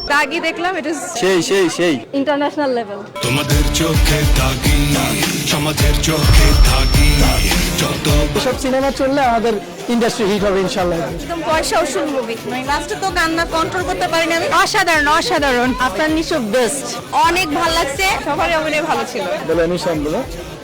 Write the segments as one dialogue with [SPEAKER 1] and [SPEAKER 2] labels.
[SPEAKER 1] দাগি দেখলাম, it is
[SPEAKER 2] সেই
[SPEAKER 1] ইন্টারন্যাশনাল লেভেল।
[SPEAKER 3] তোমাদের চোখে দাগি, সমাজের চোখে দাগি, যত
[SPEAKER 2] এসব সিনেমা চললে আমাদের ইন্ডাস্ট্রি হিট হবে ইনশাআল্লাহ।
[SPEAKER 1] একদম পয়সা উসুল মুভি, মানে লাস্টে তো কান্না কন্ট্রোল করতে পারিনি আমি। অসাধারণ অসাধারণ, আপনার নিশো বেস্ট, অনেক ভালো লাগছে, সবারই অভিনয় ভালো ছিল।
[SPEAKER 2] বলে নিশান বলো।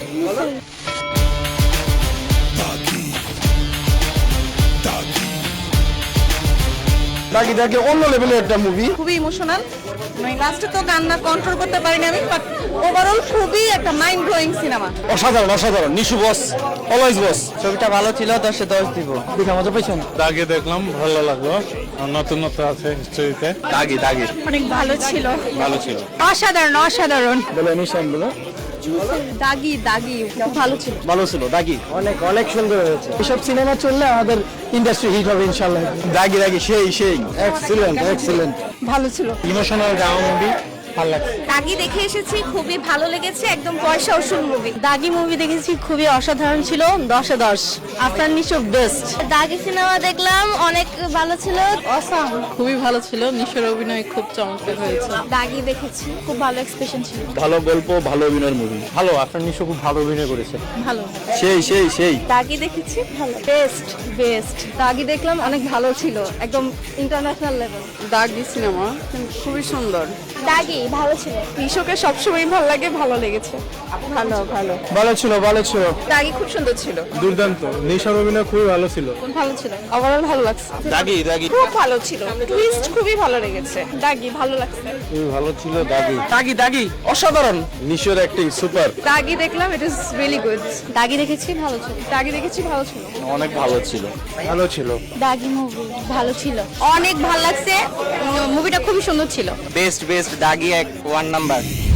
[SPEAKER 2] দাগি অন্য লেভেলের একটা মুভি।
[SPEAKER 1] খুবই ইমোশনাল, মানে লাস্টে তো কান্না কন্ট্রোল করতে পারিনি আমি, বাট ওভারঅল খুবই একটা মাইন্ড ব্লোয়িং সিনেমা।
[SPEAKER 2] অসাধারণ নিশু বস, অলওয়েজ বস।
[SPEAKER 4] ছবিটা ভালো ছিল, 10-এ 10 দিব।
[SPEAKER 2] দেখে মজা পাইছেন?
[SPEAKER 5] দাগে দেখলাম, ভালো লাগলো, নতুনত্ব আছে হিস্ট্রিতে।
[SPEAKER 2] দাগি
[SPEAKER 1] অনেক ভালো ছিল,
[SPEAKER 5] ভালো ছিল।
[SPEAKER 1] অসাধারণ অসাধারণ।
[SPEAKER 2] বলে নিশান বলো।
[SPEAKER 1] দাগি খুব ভালো ছিল।
[SPEAKER 2] ভালো ছিল দাগি, অনেক সুন্দর হয়েছে। এসব সিনেমা চললে আমাদের ইন্ডাস্ট্রি হিট হবে ইনশাআল্লাহ। দাগি সেই এক্সিলেন্ট
[SPEAKER 1] ভালো ছিল।
[SPEAKER 2] ইমোশনাল ড্রামা মুভি, ভালো লাগছে।
[SPEAKER 1] দাগি দেখে এসেছি, খুবই ভালো লেগেছে, একদম পয়সা উসুল মুভি।
[SPEAKER 6] দাগি মুভি দেখেছি, খুবই অসাধারণ ছিল, 10-এ 10। আপনার নিশো বেস্ট।
[SPEAKER 7] দাগি সিনেমা দেখলাম, অনেক ভালো ছিল।
[SPEAKER 6] অসাম, খুবই ভালো ছিল, নিশোর অভিনয় খুব চমৎকার হয়েছে।
[SPEAKER 7] দাগি দেখেছি, খুব ভালো এক্সপ্রেশন ছিল।
[SPEAKER 2] ভালো গল্প, ভালো অভিনয়ের মুভি।
[SPEAKER 4] ভালো, আপনার নিশো খুব ভালো অভিনয় করেছে।
[SPEAKER 6] ভালো।
[SPEAKER 2] সেই
[SPEAKER 7] দাগি দেখেছি, ভালো।
[SPEAKER 1] বেস্ট দাগি দেখলাম, অনেক ভালো ছিল, একদম ইন্টারন্যাশনাল লেভেল।
[SPEAKER 6] দাগি সিনেমা খুবই সুন্দর।
[SPEAKER 7] দাগি ভালো ছিল।
[SPEAKER 1] নিশোকে সবসময় ভালো লাগে, ভালো লেগেছে।
[SPEAKER 2] ভালো ছিল।
[SPEAKER 1] দাগি খুব সুন্দর ছিল,
[SPEAKER 5] দুর্দান্ত, নিশার অভিনয় খুবই ভালো ছিল।
[SPEAKER 1] ভালো ছিল, ওভারঅল ভালো লাগছে।
[SPEAKER 2] দাগি
[SPEAKER 1] খুব ভালো ছিল, টুইস্ট খুবই ভালো লেগেছে। দাগি ভালো লাগছে।
[SPEAKER 5] খুবই ভালো ছিল দাগি।
[SPEAKER 2] দাগি অসাধারণ। নিশোর অ্যাক্টিং সুপার।
[SPEAKER 1] দাগি দেখলাম, ইট ইজ রিয়েলি গুড।
[SPEAKER 7] দাগি দেখেছি, ভালো ছিল।
[SPEAKER 1] দাগি দেখেছি, ভালো ছিল।
[SPEAKER 2] অনেক ভালো ছিল।
[SPEAKER 7] দাগি মুভি ভালো ছিল।
[SPEAKER 1] অনেক ভালো লাগছে, মুভিটা খুবই সুন্দর ছিল।
[SPEAKER 4] বেস্ট দাগি 1 নাম্বার।